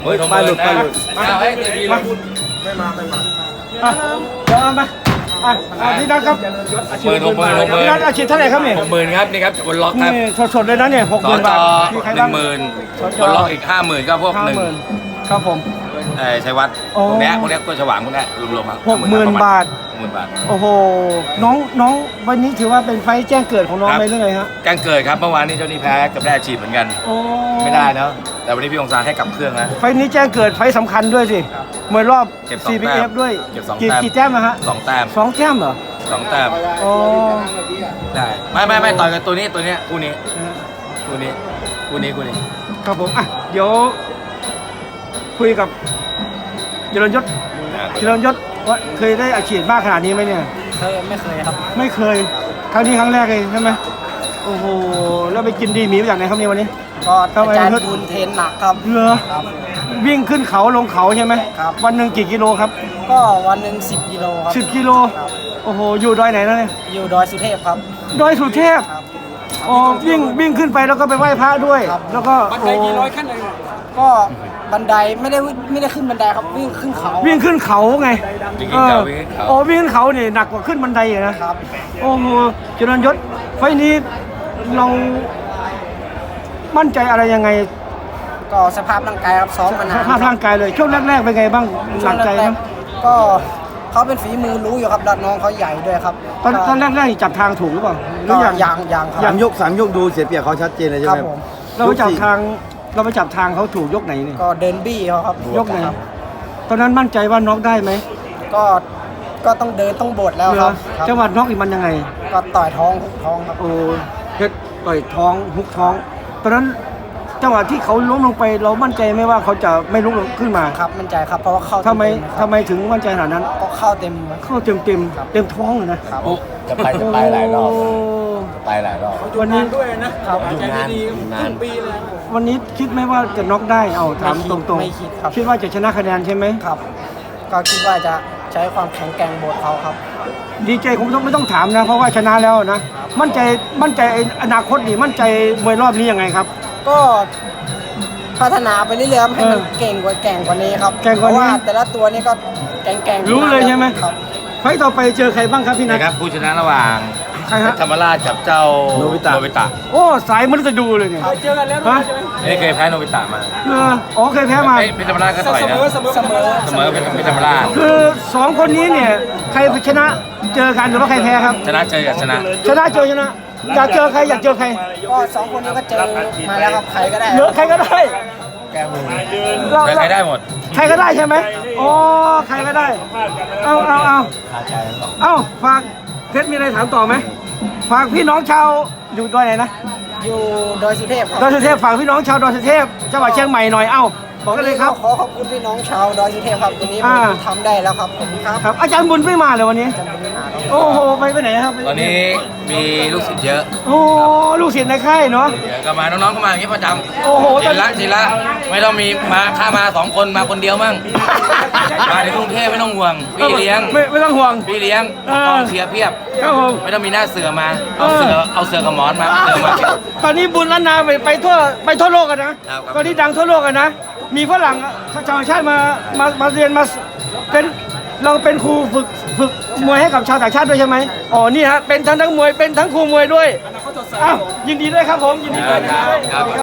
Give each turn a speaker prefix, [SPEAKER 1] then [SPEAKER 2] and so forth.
[SPEAKER 1] เฮ้ยไปหลุดมาเดี๋ยวเอามาพี่นัทครับพี่นัทอาชีพเท่าไหร่ครับเนี่ย
[SPEAKER 2] 60,000ครับนี่ครับบนล็อกครับ
[SPEAKER 1] สดๆเลยนะเนี่ย60,000 บาท
[SPEAKER 2] 10,000บนล็อกอีก50,000ก็พวก1
[SPEAKER 1] ครับผม
[SPEAKER 2] ชัยวัฒน์พวกนี้ตัวฉว่างพวกนี้รวมๆครับ
[SPEAKER 1] 60,000 บาท
[SPEAKER 2] 60,000 บาท
[SPEAKER 1] โอ้โหน้องวันนี้ถือว่าเป็นไฟแจ้งเกิดของน้องไปเรื่อยฮะ
[SPEAKER 2] แจ้งเกิดครับเมื่อวานนี้เจ้านี่แพ้กับได้อาชีพเหมือนกันไม่ได้เนาะแต่วันนี้พี่องศาให้กลับเครื่องนะ
[SPEAKER 1] ไฟนี้แจ้งเกิดไฟสำคัญด้วยสิมวยรอบ CPF ด้วยกี่แต้มนะฮะ
[SPEAKER 2] 2 แต้ม
[SPEAKER 1] 2 แต้มเหรอ
[SPEAKER 2] 2 แต้มได้ไม่ต่อยกันตัวนี้คู่นี้
[SPEAKER 1] ครับผมเดี๋ยวคุยกับเจริญยศว่าเคยได้อาชีพมากขนาดนี้ไหมเนี่ย
[SPEAKER 3] ไม่เคยครับ
[SPEAKER 1] ไม่เคยครั้งนี้ครั้งแรกเลยใช่ไหมโอ้โหแล้วไปกินดีหมีมาจากไหนครับเนี่ยวันนี้
[SPEAKER 3] ก็อาจารย์บุญเทนหนักครับ
[SPEAKER 1] เหรอวิ่งขึ้นเขาลงเขาใช่ไหม
[SPEAKER 3] ครับ
[SPEAKER 1] วันหนึ่งกี่กิโลครับ
[SPEAKER 3] ก็วันหนึ่ง10 กิโลครับ
[SPEAKER 1] 10 กิโลโอ้โหอยู่ดอยไหนนะเนี่ย
[SPEAKER 3] อยู่ดอยสุเทพครับ
[SPEAKER 1] ดอยสุเทพอ๋อวิ่งขึ้นไปแล้วก็ไปไหว้พระด้วยแล้วก็
[SPEAKER 3] บันไดกี่ร้อยขั้นเลยก็บันไดไม่ได้ขึ้นบันไดครับวิ่งขึ้นเขา
[SPEAKER 1] ไงวิ่งขึ้นเขานี่หนักกว่าขึ้นบันไดเลยนะครับโอ้โหเจริญยศไฟนี้เรามั่นใจอะไรยังไง
[SPEAKER 3] ก็สภาพร่างกายครับซ้อมมานาน
[SPEAKER 1] สภาพร่างกายเลยช่วงแรกๆเป็นไงบ้างหนักใจไหม
[SPEAKER 3] ก็เขาเป็นฝีมือรู้อยู่ครับน้องเขาใหญ่ด้วยครับ
[SPEAKER 1] ตอนแรกๆจับทางถูกหรือเปล่า
[SPEAKER 3] ก็ยัง
[SPEAKER 4] ครับ3 ยกดูเสียเปรียบเขาชัดเจนเลยใช่ไหม
[SPEAKER 1] เราไปจับทางเขาถูกยกไหนเนี่ย
[SPEAKER 3] ก็เดินบี้เขาครับ
[SPEAKER 1] ยกไหนตอนนั้นมั่นใจว่าน็อกได้ไหม
[SPEAKER 3] ก็ต้องเดินต้องบดแล้วครับ
[SPEAKER 1] จังหวัดน็อกอีกมันยังไง
[SPEAKER 3] ก็ต่อยท้องฮุกท้องครับ
[SPEAKER 1] โอ้เพชรต่อยท้องฮุกท้องตอนนั้นจังหวะที่เขาล้มลงไปเรามั่นใจไหมว่าเขาจะไม่ลุกขึ้นมา
[SPEAKER 3] ครับมั่นใจครับเพราะว่าเข้า
[SPEAKER 1] ทำไมถึงมั่นใจขนาดนั้น
[SPEAKER 3] ก็เข้าเต็
[SPEAKER 1] มท้องเลยนะ
[SPEAKER 2] จะไปหลายรอบ
[SPEAKER 1] วันนี้
[SPEAKER 3] ด้วยนะครับ
[SPEAKER 2] อยู่นาน
[SPEAKER 3] ปีเลย
[SPEAKER 1] วันนี้คิดไหมว่าจะน็อกได้เอาถามตรง
[SPEAKER 3] ๆไม่คิดครับ
[SPEAKER 1] คิดว่าจะชนะคะแนนใช่ไหม
[SPEAKER 3] ครับก็คิดว่าจะใช้ความแข็งแกร่งบทเขาครับ
[SPEAKER 1] ดีใจคงไม่ต้องถามนะเพราะว่าชนะแล้วนะมั่นใจอนาคตนี่มั่นใจมวยรอบนี้ยังไงครับ
[SPEAKER 3] ก็พัฒนาไปเรื่อยๆให้มันเก่งกว่านี้ครับเพราะว่าแต่ละตัวนี้ก็แก่ง
[SPEAKER 1] รู้เลยใช่ไหมครับไฟต่อไปเจอใครบ้างครับพี่นัท
[SPEAKER 2] ครับผู้ชนะระหว่างธรรมราชกับเจ้าโนบิตะ
[SPEAKER 1] โอ้สายมันจะดูเลยเนี่ย
[SPEAKER 3] เจอกันแล้วใช่ไหม
[SPEAKER 2] นี่เคยแพ้โนบิตะมา
[SPEAKER 1] เคยแพ้มา
[SPEAKER 2] เป็นธรรมราชก็ต่อยนะเสมอเป็นธรรมราช
[SPEAKER 1] คือ2 คนนี้เนี่ยใครชนะเจอกันหรือว่าใครแพ้ครับ
[SPEAKER 2] ชนะเจอชนะ
[SPEAKER 1] อยากเจอใคร
[SPEAKER 3] ก็2 คนนี้ก็เจอมาแล้วครับใครก็ได้
[SPEAKER 1] ใครก็ได้
[SPEAKER 2] แก้มือใครได้หมด
[SPEAKER 1] ใครก็ได้ใช่ไหมอ๋อใครก็ได้เอาฝากเพชรมีอะไรถามต่อไหมฝากพี่น้องชาวอยู่ดอยไหนนะ
[SPEAKER 3] อยู่ดอยสุเทพครับ
[SPEAKER 1] ดอยสุเทพฝากพี่น้องชาวดอยสุเทพจังหวัดเชียงใหม่หน่อยบอกกันเลยครับ
[SPEAKER 3] ขอขอบคุณพี่น้องชาวดอยสุเทพครับวันนี้ผมทำได้แล้วครับผม
[SPEAKER 1] ครับอาจารย์บุญไม่มาเลยวันนี้โอ้โหไปไหนครับ
[SPEAKER 2] ตอนนี้มีลูกศิษย์เยอะ
[SPEAKER 1] โอ้ลูกศิษย์ในค่ายเนาะ
[SPEAKER 2] ก็มาน้องๆก็มาอย่างนี้ประจำ
[SPEAKER 1] โอ้โห
[SPEAKER 2] ศิละไม่ต้องมีมาข้ามา2 คนมาคนเดียวมั่งมาในกรุงเทพไม่ต้องห่วงพี่เลี้ยง
[SPEAKER 1] ไม่ต้องห่วง
[SPEAKER 2] พี่เลี้ยงกองเชียร์เพียบไม่ต้องมีหน้าเสือมาเอาเสือกับหมอนมา
[SPEAKER 1] ตอนนี้บุญล้านนาไปทั่วโลกกันนะตอนนี้ดังทั่วโลกกันนะมีฝรั่งชาวต่างชาติมาเรียนมาเป็นเราเป็นครูฝึกมวยให้กับชาวต่างชาติด้วยใช่ไหมอ๋อนี่ฮะเป็นทั้งมวยเป็นทั้งครูมวยด้วยอ้าวยินดีด้วยครับผมยินดีด้วย